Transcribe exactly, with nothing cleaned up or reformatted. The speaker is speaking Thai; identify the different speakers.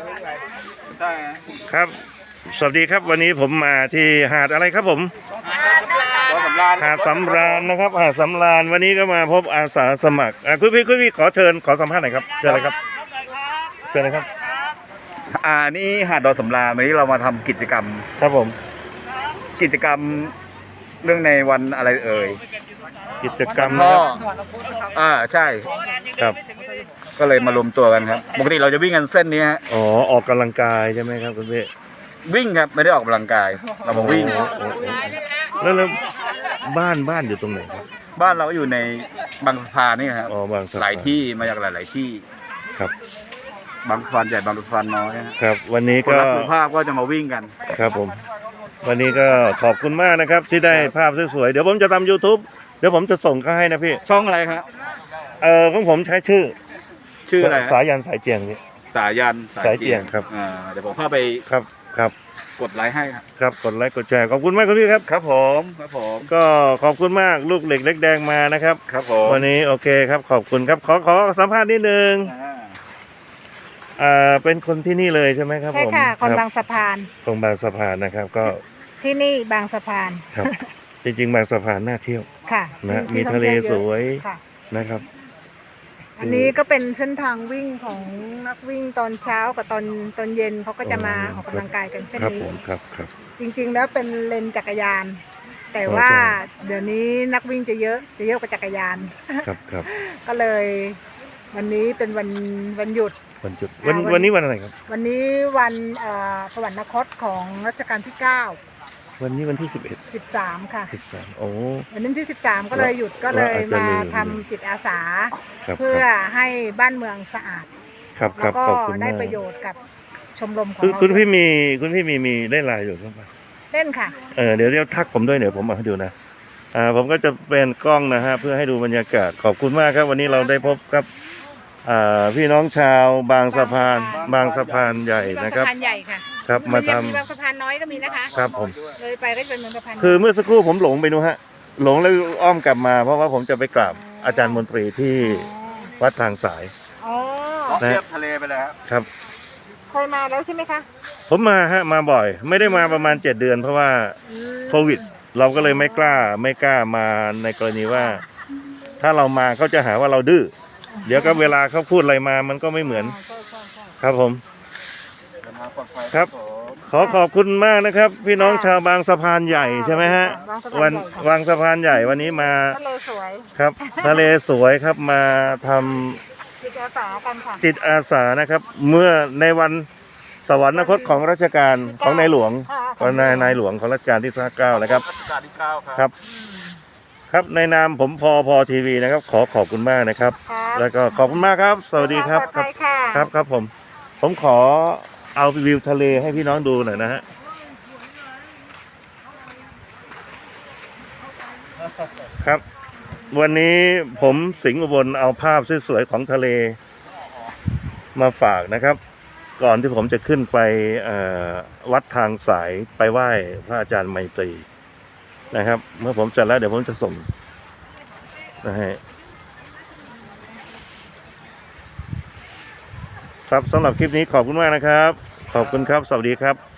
Speaker 1: ครับสวัสดีครับวันนี้ผมมาที่หาดอะไรครับผมหาดสำราญนะครับหาดสำราญวันนี้ก็มาพบอาสาสมัครคุณพี่คุณพี่ขอเชิญขอสัมภาษณ์หน่อยครับเชิญเลยครับเชิญเลยครับ
Speaker 2: อ่านี่หาดดอยสำราญวันนี้เรามาทำกิจกรรม
Speaker 1: ครับผม
Speaker 2: กิจกรรมเรื่องในวันอะไรเอ่ย
Speaker 1: กิจกรรมนะครับ
Speaker 2: อ่าใช่
Speaker 1: ครับ
Speaker 2: ก็เลยมารวมตัวกันครับปกติเราจะวิ่งกันเส้นนี้ฮะ
Speaker 1: อ๋อออกกำลังกายใช่ไหมครับคุณพี่
Speaker 2: วิ่งครับไม่ได้ออกกำลังกายเรามาวิ่ง
Speaker 1: แล้วแล้วบ้านบ้านอยู่ตรงไหนครับ
Speaker 2: บ้านเราอยู่ในบางสะพานนี่ครับ
Speaker 1: อ๋อบางสะพาน
Speaker 2: หลายที่มาจากหลาย ๆที่
Speaker 1: ครับ
Speaker 2: บางสะพานใหญ่บางสะพานน้อย
Speaker 1: ครับวันนี้ก็
Speaker 2: สุภาพก็จะมาวิ่งกัน
Speaker 1: ครับผมวันนี้ก็ขอบคุณมากนะครับที่ได้ภาพสวยๆเดี๋ยวผมจะทำ YouTube เดี๋ยวผมจะส่งเข้าให้นะพี่
Speaker 2: ช่องอะไรครับ
Speaker 1: เออของผมใช้ชื่อ
Speaker 2: ชื่ออะไร
Speaker 1: สายันสายเจียงนี่
Speaker 2: สายัน
Speaker 1: สายเจียงครับ
Speaker 2: อ่าเดี๋ยวผมเข้าไป
Speaker 1: ครับครับ
Speaker 2: กดไลค์ให้ครับ
Speaker 1: ครับกดไลค์กดแชร์ขอบคุณมากคุณพี่ครับ
Speaker 2: ครับผมครับผม
Speaker 1: ก็ขอบคุณมากลูกเหล็กเล็กแดงมานะครับ
Speaker 2: ครับผม
Speaker 1: วันนี้โอเคครับขอบคุณครับขอขอสัมภาษณ์นิดนึงอ่าเป็นคนที่นี่เลยใช่ไหมครับ
Speaker 3: ใช่ค่ะคนบางสะพาน
Speaker 1: คนบางสะพานนะครับก็
Speaker 3: ที่นี่บางสะพาน
Speaker 1: ครับจริงๆบางสะพานน่าเที่ยว
Speaker 3: ค่ะ
Speaker 1: นะมีทะเลสวยนะครับ
Speaker 3: อันนี้ก็เป็นเส้นทางวิ่งของนักวิ่งตอนเช้ากับตอนตอนเย็นเขาก็จะมาออกกำลังกายกันเส้นนี้
Speaker 1: ครับครับ
Speaker 3: จริงๆแล้วเป็นเลนจักรยานแต่ว่าเดี๋ยวนี้นักวิ่งจะเยอะจะเยอะกว่าจักรยาน
Speaker 1: ครับครับ
Speaker 3: ก็เลยวันนี้เป็นวันวันหยุด
Speaker 1: วันหยุดวันวันนี้วันอะไรครับ
Speaker 3: วันนี้วันสวรรคตของรัชกาลที่เก้า
Speaker 1: วันนี้วันที่สิบเอ็ด
Speaker 3: สิบสามค่ะ
Speaker 1: สิบสามโอ้
Speaker 3: วันนี้ที่สิบสามก็เลยหยุดก็เลยมาทำจิตอาสาเพื่อให้บ้านเมืองสะอาด
Speaker 1: ครับครับ
Speaker 3: ขอบคุณมากได้ประโยชน์กับชมรมของเรา
Speaker 1: คุณพี่มีคุณพี่มีมีเล่นไลน์อยู่ใช่ไหม
Speaker 3: เล่นค่ะ
Speaker 1: เออเดี๋ยวเดี๋ยวทักผมด้วยเดี๋ยวผมมาให้ดูนะอ่าผมก็จะเป็นกล้องนะฮะเพื่อให้ดูบรรยากาศขอบคุณมากครับวันนี้เราได้พบกับอ่าพี่น้องชาวบางสะพานบางสะพานใหญ่นะครับ
Speaker 3: สะพานใหญ่ค่ะ
Speaker 1: ครับมาทำ
Speaker 3: บางสะพานน้อยก็มีนะคะ
Speaker 1: ครับผม
Speaker 3: เลยไปก็จะเป็นสะพาน
Speaker 1: คือเมื่อสักครู่ผมหลงไปดูฮะหลงแล้วอ้อมกลับมาเพราะว่าผมจะไปกราบอาจารย์มนตรีที่วัดทางสาย
Speaker 3: อ๋อ
Speaker 2: เทียบทะเลไปแล้ว
Speaker 1: ครับ
Speaker 3: เคยมาแล้วใช่ไหมคะ
Speaker 1: ผมมาฮะมาบ่อยไม่ได้มาประมาณเจ็ดเดือนเพราะว่าโควิดเราก็เลยไม่กล้าไม่กล้ามาในกรณีว่าถ้าเรามาเขาจะหาว่าเราดื้อเดี๋ยวก็เวลาเขาพูดอะไรมามันก็ไม่เหมือนครับผมครับขอขอบคุณมากนะครับพี่น้องชาวบางสะพานใหญ่ใช่ไหมฮะวันบางสะพานใหญ่วันนี้มา
Speaker 3: ทะเลสวย
Speaker 1: ครับทะเลสวยครับมาท
Speaker 3: ำจิตอาสากันค่ะ
Speaker 1: จิตอาสานะครับเมื่อในวันสวรรคตของรัชกาลของในหลวงของนายนายหลวงของรัชกาลที่เก้านะครับครับครับในนามผมพอพอทีวีนะครับขอขอบคุณมากนะครับแล้วก็ขอบคุณมากครับสวัสดีครับครับครับครับผมผมขอเอาวิวทะเลให้พี่น้องดูหน่อยนะฮะครับวันนี้ผมสิงห์อุบลเอาภาพสวยๆของทะเลมาฝากนะครับก่อนที่ผมจะขึ้นไปวัดทางสายไปไหว้พระอาจารย์ไมตรีนะครับเมื่อผมเสร็จแล้วเดี๋ยวผมจะส่งนะฮะครับสำหรับคลิปนี้ขอบคุณมากนะครับขอบคุณครับสวัสดีครับ